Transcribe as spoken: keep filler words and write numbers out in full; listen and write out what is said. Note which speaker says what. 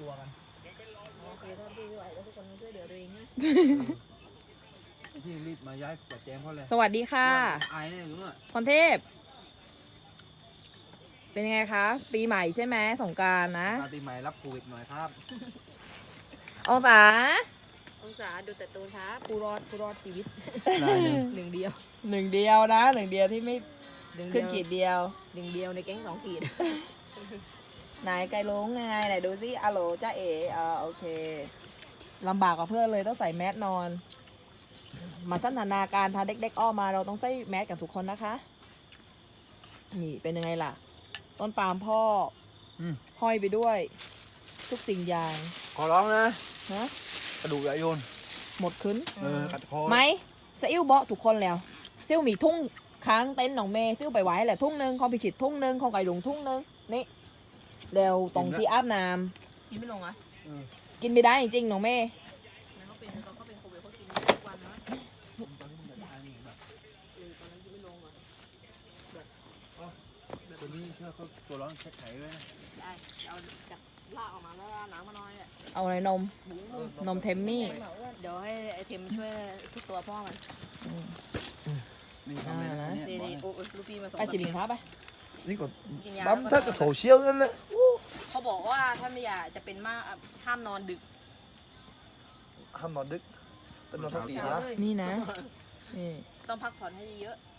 Speaker 1: ตัวกัน
Speaker 2: โอเคถ้าพี่ไหวแล้วทุกคนช่วยเหลือตัวเองนะ
Speaker 1: ที่รีบมาย้ายจัดแจงเพราะอะไร
Speaker 3: สวัสดีค่ะ
Speaker 1: ไอ้เนี่ยรู้อ่ะ
Speaker 3: พรเทพ เป็นยังไงคะ ปีใหม่ใช่ไหมสงกรานต์นะ
Speaker 1: ปาร์ตี้ใหม่รับโควิดหน่อยครับ
Speaker 3: องศา
Speaker 2: องศาดูแต่ตูนครับ
Speaker 3: ผู้รอดผู้รอดชีวิต
Speaker 1: ได้เลย
Speaker 2: หนึ่งเดียว
Speaker 3: หนึ่งเดียวนะหนึ่งเดียวที่ไม่
Speaker 2: หนึ่ง
Speaker 3: ขึ้
Speaker 2: เดี
Speaker 3: น
Speaker 2: ยว
Speaker 3: ขีดเดียว
Speaker 2: หนึ่งเดียวในแก๊งสองขีด
Speaker 3: ไหนไกลลุงยังไงไหนดูซิอะโหลจ้าเอ๋อ่าโอเคลำบากกว่าเพื่อนเลยต้องใส่แมสนอน มาสันทนาการทาเด็กๆอ้อมาเราต้องใส่แมสกันทุกคนนะคะ นี่เป็นยังไงล่ะ ต้นปาล์มพ่ออ
Speaker 1: ม
Speaker 3: ห้อยไปด้วย ทุกสิ่งอย่าง
Speaker 1: ขอร้องนะ
Speaker 3: นะ
Speaker 1: กระดูกอย่าโยน
Speaker 3: หมดขึ้น
Speaker 1: เออกัดคอ
Speaker 3: ไหมซะอิ่วเบาะทุกคนแล้วซิ่วมีทุ่งค้างเต็นท์หนองเมย์ซิ่วไปไว้แหละทุ่งหนึงของพิชิตทุ่งหนึงของไก่หลงทุ่งหนึงนี่เร็วตรงที่อาบน้
Speaker 2: กินไม่ลงอ่ะ
Speaker 1: เออ
Speaker 3: ำกินไม่ได้จริงๆหนองเมย์
Speaker 2: เขาเป็นเขาเป็นโควิดเขากินทุกวันนะ
Speaker 1: ตอนนี้มันจะตายนี่แบบ
Speaker 2: เออตอนนั้นกินไม่ลงอ่ะ
Speaker 1: ตัวนี้เชื่อเขาตัวร้อนเช็คไข่ด้วยนะ
Speaker 2: ได้เอาจากลากออกมาแล้วน้ำมาน้อยอ่ะ
Speaker 3: เอาอะไรนม นมเทมมี่
Speaker 2: เดี๋ยวให้ไอเทมช่วยทุกตัวพ่อมัน
Speaker 1: นี่ทำเลยนะ
Speaker 2: นี่
Speaker 1: เนี่ย
Speaker 2: นี่โอ้ลูกพี่มาส่ง
Speaker 3: ไปสิบิงครับไป
Speaker 4: นี่ก็
Speaker 2: กินยา
Speaker 4: บัมถ้ากับโซเชียลนั่นแหละ
Speaker 2: เขาบอกว่าถ้าไม่อยากจะเป็นมากอ่ะห้ามนอนดึก
Speaker 4: ห้ามนอนดึกเป็นนอนทักตีนะ
Speaker 3: นี่นะนี่
Speaker 2: ต้องพักผ่อนให้เยอะ